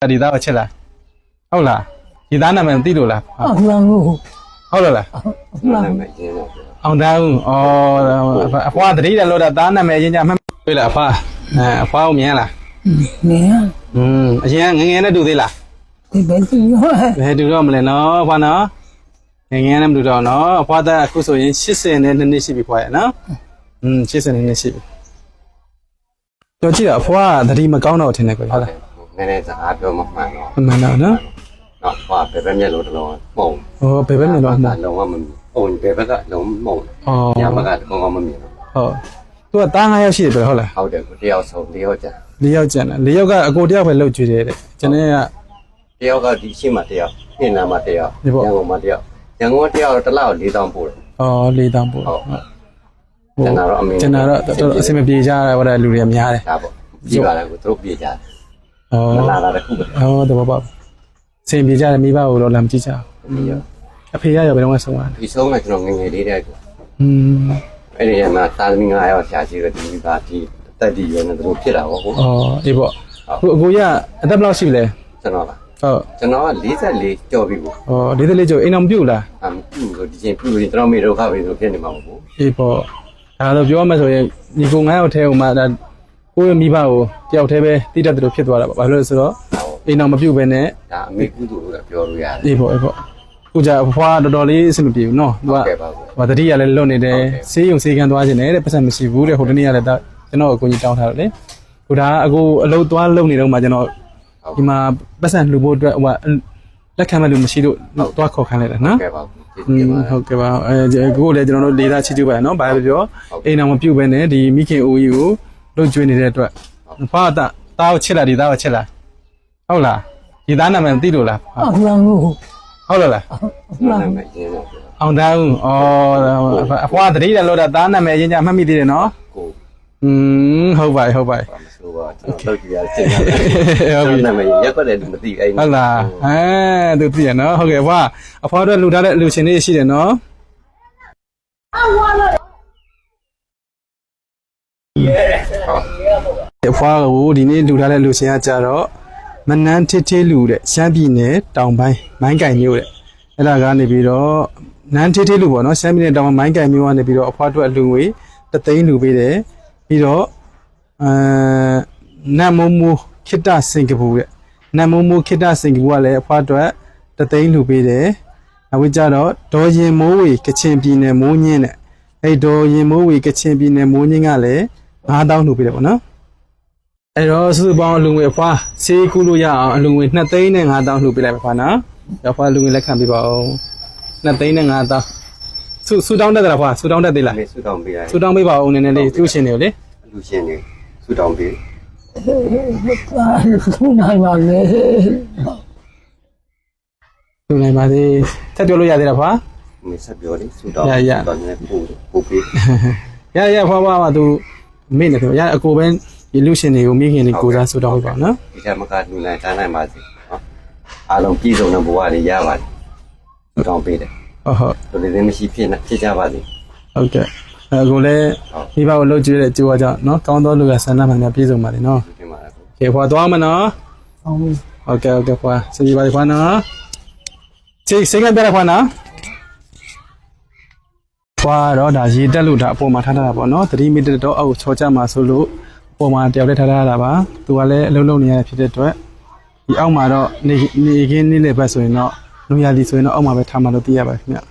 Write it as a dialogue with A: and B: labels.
A: ဒီသားကိုချစ်လားဟုတ်လားဒီသားနာမည်သိလို့လားဟုတ်လားအောင်သားဦးအဖွားတတိတယ်လို့သားနာမည်အရင်ကမှတ်တွေ့လားအဖွားအဖွားကိုမြင်လား
B: မြင်
A: အရင်ငငယ်နဲ့တူသေးလား
B: ဒီဘယ်တူ
A: တော့မလဲနော်အဖွားနော်ငငယ်နဲ့မတူတော့နော်အဖွားသားအခုဆိုရင်80နဲ့2နှစ်ရှိပြီဖွားရနော်80နဲ့2နှစ်ရှိပြီတော့ကြည့်အဖွားတတိမကောင်းတော့ထင်တယ်ကွဟုတ်လား
C: နည်းနည်းစကားပြောမှမှန်တော့
A: မှန်တော့နော်
C: နော်ဟောဘယ်ဘက်မျက်လုံးတစ်လုံးပုံ
A: ဘယ်ဘက်မျက်လုံး
C: လုံးဝမမြင်ပုံဘယ်ဘက်ကလုံးမုံညဘက်ကကောင်းကောင်းမမြင်
A: ဟုတ်သူကတား9ယောက်ရှိတယ်ပြောဟုတ်လား
C: ဟုတ်တယ်ကိုတယောက်ဆုံး4ယောက်ကျန်
A: 4ယောက်ကျန်တယ်4ယောက်ကအကိုတယောက်ပဲလှုပ်ကြွေတယ်တဲ့ကျွန်တော်က
C: တယောက်ကဒီရှိမှတယောက်နှင်းနာမှတယောက်ရန်ကုန်မှတယောက်ရန်ကုန်တယောက်တစ်လောက်4000ပို့တယ်
A: 4000ပို့
C: ဟုတ်ကျွန်တော်အမေ
A: ကျွန်တော်တော့အစင်မပြေကြရတဲ့လူတွေများတယ်
C: ဒါပေါ့ပြေးပါလားကိုသူတို့ပြေးကြတယ်မလာတာတခုပဲ
A: တော့ပေါ့စင်ပြေကြတယ်မိဘကိုတော့လာမကြည့်ကြဘူးအဖေရရောဘယ်တော့မှဆုံးသွားတယ်
C: ဒီဆုံးကကျွန်တော်ငငယ်လေးတဲ့ကိုအဲ့ဒီမှာသာသမီ9ယောက်ဆရာကြီးကဒီမိဘဒီတက်တီရွယ်နေသူတို့ဖြစ်တာပေါ့ဟုတ်
A: အေးပေါ့အခုအကိုရအသက်ဘယ်လောက်ရှိပြီလဲ
C: ကျွန်တော်လား
A: ဟုတ်
C: ကျွန်တော်က44ကျော်ပြီပေါ့
A: 44ကျော်အိမ်အောင်ပြုတ်လား
C: မပြုတ်လို့ဒီချိန်ပြုတ်ရင်ကျွန်တော်မေဒုက္ခပဲဆိုဖြစ်နေမှာပေါ့
A: အေးပေါ့ဒါတော့ပြောမှဆိုရင်ညီကို9ယောက်ထဲဟိုမှာဒါကိုယ့်ရဲ့မိဘကိုတယောက်တည်းပဲတိတတ်တယ်လို့ဖြစ်သွားတာပေါ့ဘာလို့လဲဆိုတော့အိမ်အောင်မပြုတ်ပဲနဲ့
C: ဒါအမေကုသိုလ်လို့ပြောလို့ရတယ်
A: အေးပေါ့ခုကြအဖွားတော်တော်လေးအဆင်မပြေဘူးနော်သူကဟိုတတိယလည်းလွတ်နေတယ်ဆေးရုံဆေးကန်းသွားခြင်းနဲ့တဲ့ပတ်စံမရှိဘူးတဲ့ဟိုတနေ့ကလည်းကျွန်တော်အကူကြီးတောင်းထားတယ်လေဟိုဒါအကူအလုပ်သွားလုပ်နေတော့မှကျွန်တော်ဒီမှာပတ်စံလှူဖို့အတွက်ဟိုလက်ခံမဲ့လူမရှိလို့သွားခေါ်ခိုင်းလိုက်တာနော်ဟုတ်ကဲ့ပါကိုလည်းကျွန်တော်တို့လေးသားချစ်ကျူပါနော်ဘာပဲပြောအိမ်အောင်မပြုတ်ပဲနဲ့ဒီမိခင်အိုးကြီးကိုလှုပ်ကျွေးနေတဲ့အတွက်ဖွားတာကိုချစ်လားဒီသားကိုချစ်လားဟုတ်လားဒီသားနာမည်သိလို့လားဟုတ်လားအောင်သားဦးအဖွားတတိတယ်လို့သားနာမည်အရင်ကမှတ်မိသေးတယ်နော်ဟုတ်ပါဆိုပါ
C: တော့ကြည့်ရစစ်ရတယ်နာမည်ရက်ွက်တယ်မသိအဲ့
A: ဟုတ်လားသူသိရနော်ဟုတ်ကဲ့အဖွားတို့လှူထားတဲ့လူရှင်လေးရှိတယ်နော်အဖွားကိုဒီနေ့လှူထားတဲ့လူရှင်ကကြတော့မနန်းထစ်လူတဲ့ရှမ်းပြည်နယ်တောင်ပိုင်းမိုင်းကင်မြို့တဲ့အဲ့ဒါကနေပြီးတော့နန်းထစ်လူပေါ့နော်ရှမ်းပြည်နယ်တောင်ပိုင်းမိုင်းကင်မြို့ကနေပြီးတော့အဖွားတို့အလူငွေ3သိန်းလူပေးတယ်ပြီးတော့နတ်မိုးမိုးခိတ္တစင်ကာပူတဲ့နတ်မိုးမိုးခိတ္တစင်ကာပူကလည်းအဖွားတို့3သိန်းလူပေးတယ်နောက်ပြီးကြတော့ဒေါ်ရင်မိုးဝေကချင်ပြည်နယ်မိုးညင်းတဲ့အဲ့ဒေါ်ရင်မိုးဝေကချင်ပြည်နယ်မိုးညင်းကလည်း9000လူပေးတယ်ပေါ့နော်အဲ့တော့စုစုပေါင်းအလူငွေအဖွားဆေးကူးလို့ရအောင်အလူငွေ2သိန်းနဲ့5000လှူပေးလိုက်ပါဖွာနော်အဖွားလူငွေလက်ခံပေးပါဦး2သိန်းနဲ့5000ဆူတောင်းတတ်တယ်ဖွာဆူတောင်းတတ်သေးလား
C: ဆူတောင်းပေးလိုက်
A: ဆူတောင်းပေးပါဦးနည်းနည်းလေးသူ့ရှင်တွေကိုလေ
C: လူရှင်တွေဆူတောင်းပေး
B: ဆူနိုင်ပါလေ
A: ဆူနိုင်ပါသေးဆက်ပြောလို့ရသေးလားဖွာ
C: မဆက်ပြောလေဆူတောင်းတော်နေပို့ပေး
A: ရဖွာသူမေ့နေတယ်အကိုပဲဒီလူရှင်တွေကိုမိခင်တွေကိုစားဆူတောင်းပေးပါနော်
C: ဒီကမကလူနိုင်တန်းနိုင်ပါစေနော်အားလုံးပြည်စုံတဲ့ဘဝတွေရပါတယ်ဆူတောင်းပေးတယ်
A: ဟုတ်
C: လူတွေမရှိဖြစ်ကြပါစေ
A: ဟုတ်ကဲ့အခုလည်းမိဘကိုလှုပ်ကြည့်တဲ့ကြိုးဝါကြောင့်နော်ကောင်းသောလူကဆန္ဒမှန်များပြည့်စုံပါလေနော်ကဲဖွာသွားမနော်ဟုတ်ကဲ့ဖွာစီပါဖွာနော်စိတ်ကပြရဖွာနော်ဖွာတော့ဒါရေတက်လို့ဒါအပေါ်မှာထားတာပေါ့နော်3မီတာတော့အောက်ချောချမှာဆိုလို့အပေါ်မှာတယောက်တည်းထားတာပါသူကလည်းအလုံးလုံးနေရဖြစ်တဲ့အတွက်ဒီအောက်မှာတော့နေခင်းနေလေဘက်ဆိုရင်တော့လူရည်ဆိုရင်တော့အောက်မှာပဲထားမှလို့သိရပါခင်ဗျ